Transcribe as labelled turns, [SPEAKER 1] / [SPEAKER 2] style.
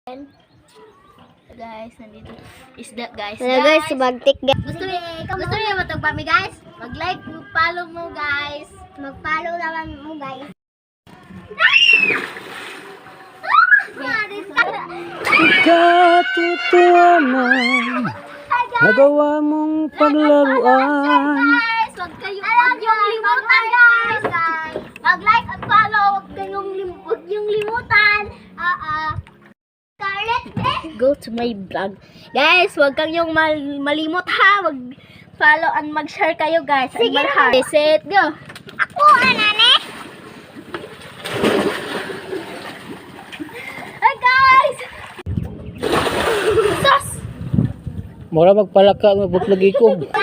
[SPEAKER 1] Guys, nandito isda guys.
[SPEAKER 2] Hello guys, subagtik guys.
[SPEAKER 1] Gusto niyo matog pa mi guys? Mag-like, mag-follow mo guys.
[SPEAKER 2] Mag-follow naman mo guys.
[SPEAKER 3] Katotohanan, nagawa mong paglaruan.
[SPEAKER 1] Guys, wag yung limutan guys. Mag-like at follow, wag yung limutan. Go to my vlog. Guys, wag kang yung malimot ha. Wag follow and mag-share kayo guys. Sige na. Set, go.
[SPEAKER 2] Ako, anane?
[SPEAKER 1] Hi guys! Sus!
[SPEAKER 3] Mura magpalaka, magbuklagi ko.